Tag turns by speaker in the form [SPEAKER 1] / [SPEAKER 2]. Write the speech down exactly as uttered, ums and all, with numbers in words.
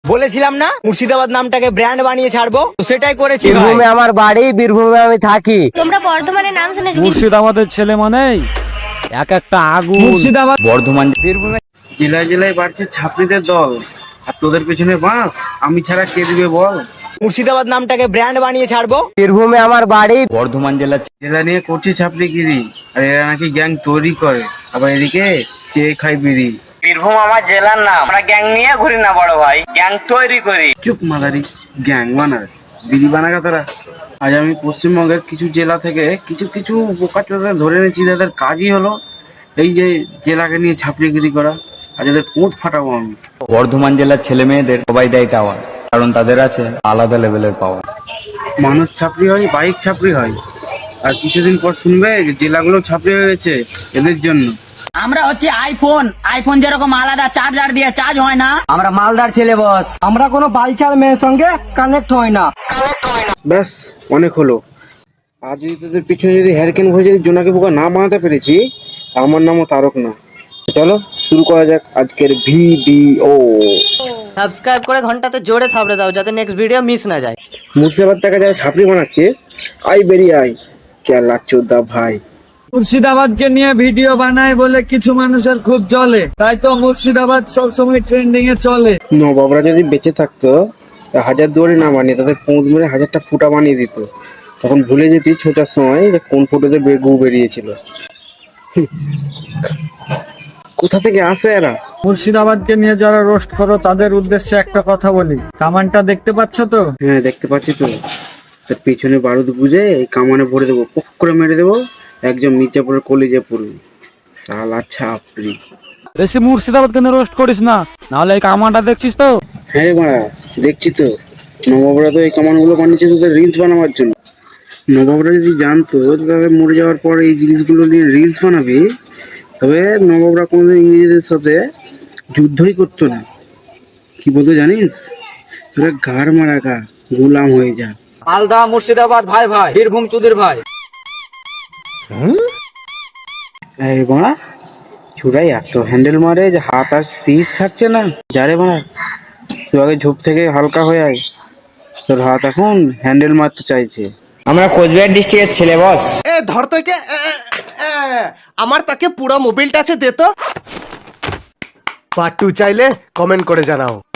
[SPEAKER 1] বলেছিলাম না মুর্শিদাবাদ নামটাকে ব্র্যান্ড বানিয়ে ছাড়বো, তো সেটাই করেছি ভাই।
[SPEAKER 2] বীরভূমে আমার বাড়ি, বীরভূমে আমি থাকি।
[SPEAKER 3] তোমরা বর্ধমানের নাম শুনেছো?
[SPEAKER 4] মুর্শিদাবাদের ছেলে মানেই এক একটা আগুন। মুর্শিদাবাদ,
[SPEAKER 1] বর্ধমান, বীরভূমে
[SPEAKER 5] জেলায় জেলায় বাড়ছে ছাত্রীদের দল, আর তোদের পেছনে বাঁশ। আমি ছাড়া কে দিবে বল?
[SPEAKER 1] মুর্শিদাবাদ নামটাকে ব্র্যান্ড বানিয়ে ছাড়বো।
[SPEAKER 2] বীরভূমে আমার বাড়ি।
[SPEAKER 1] বর্ধমান জেলা
[SPEAKER 5] জেলা নিয়ে করছে ছাত্রীগিরি, আর এরা নাকি গ্যাং তৈরি করে, আবার এদিকে চেয়ে খাই বিড়ি।
[SPEAKER 6] বীরভূম আমার জেলার নাম, আমরা গ্যাং নিয়ে ঘুরি না বড় ভাই, গ্যাং তৈরি করি।
[SPEAKER 5] চুপ মাদারি, গ্যাং বানাবে বিড়ি বানাগা তারা। আজ আমি পশ্চিমবঙ্গের কিছু জেলা থেকে কিছু কিছু বোকা চোদা ধরে এনেছি, তাদের কাজই হলো এই যে জেলাকে নিয়ে ছাপড়িগিরি করা, আর যাদের পোঁত ফাটাবো আমি।
[SPEAKER 1] বর্ধমান জেলার ছেলে মেয়েদের সবাই দেয় টাওয়ার, কারণ তাদের আছে আলাদা লেভেলের পাওয়ার।
[SPEAKER 5] মানুষ ছাপড়ি হয়, বাইক ছাপড়ি হয়, আর কিছুদিন পর শুনবে যে জেলাগুলো ছাপড়ি হয়ে গেছে এদের জন্য।
[SPEAKER 6] আমরা হচ্ছে আইফোন, আইফোন যেরকম আলাদা চার্জার দিয়ে চার্জ হয় না।
[SPEAKER 2] আমরা মালদার ছেলে বস, আমরা কোনো বালচাল মেয়ের সঙ্গে কানেক্ট হয় না।
[SPEAKER 5] ব্যাস, অনেক হলো। আজ যদি তোদের পিছনে যদি হ্যারিকেন ভরে যদি জোনাকি পোকা না বানাতে পেরেছি, আমার নামও তারক না। চলো শুরু করা যাক আজকের ভিডিও।
[SPEAKER 2] সাবস্ক্রাইব করে ঘন্টাতে জোরে থাবড়ে দাও যাতে নেক্সট ভিডিও মিস না যায়।
[SPEAKER 5] মুর্শিদাবাদ টাকা যারা ছাপড়ি বানাচ্ছিস, আই বেরিয়ে আই, কেলা চোদ্দা ভাই।
[SPEAKER 4] মুর্শিদাবাদকে নিয়ে ভিডিও বানায় বলে কিছু মানুষের খুব জ্বলে, তাই তো মুর্শিদাবাদ সবসময় ট্রেন্ডিং এ চলে।
[SPEAKER 5] নবাবরা যদি বেঁচে থাকতো, হাজার দুয়ারি না বানিয়ে তাদের পোঁত মেরে হাজারটা ফুটা বানিয়ে দিত, তখন ভুলে যেতি ছোটার সময় যে কোন ফুটোতে গু বেরিয়েছিল। কোথা থেকে আসে এরা?
[SPEAKER 4] মুর্শিদাবাদকে নিয়ে যারা রোস্ট করো তাদের উদ্দেশ্যে একটা কথা বলি, কামানটা দেখতে পাচ্ছ তো?
[SPEAKER 5] হ্যাঁ দেখতে পাচ্ছি তো, তার পিছনে বারুদ বুঝে এই কামানে ভরে দেবো, পক করে মেরে দেবো, একজন মির্জাপুরের কলেজে পড়বে। সালা ছাপড়ি।
[SPEAKER 4] বেশি মুর্শিদাবাদকে নিয়ে রোস্ট করিস না, নাহলে এই কামানটা দেখছিস তো?
[SPEAKER 5] হ্যাঁ রে মারা, দেখছি তো। নবাবরা তো এই কামানগুলো বানিয়েছে তোদের রিলস বানাবার জন্য। নবাবরা যদি জানতো তবে মরে যাওয়ার পর এই জিনিসগুলো নিয়ে রিলস বানাবি, তবে নবাবরা কোনোদিন ইংরেজদের সাথে যুদ্ধই করতো না। কি বলতো জানিস? তোরা ঘাড় মারা গা, গোলাম হয়ে যা।
[SPEAKER 1] মালদা মুর্শিদাবাদ ভাই ভাই, বীরভূম চুদির ভাই।
[SPEAKER 5] এই বাড়া, চূড়াই এত হ্যান্ডেল মারে যে হাত আর স্থির থাকছে না। যারে বাড়া, তুই আগে ঝোপ থেকে হালকা হয়ে আয়, তোর হাত এখন হ্যান্ডেল মারতে চাইছে।
[SPEAKER 1] আমরা কোচবিহার ডিস্ট্রিক্টের ছেলে বস।
[SPEAKER 7] এ ধর তোকে, আমার তাকে পুরো মোবিলটা আছে দে তো। পার্ট টু চাইলে কমেন্ট করে জানাও।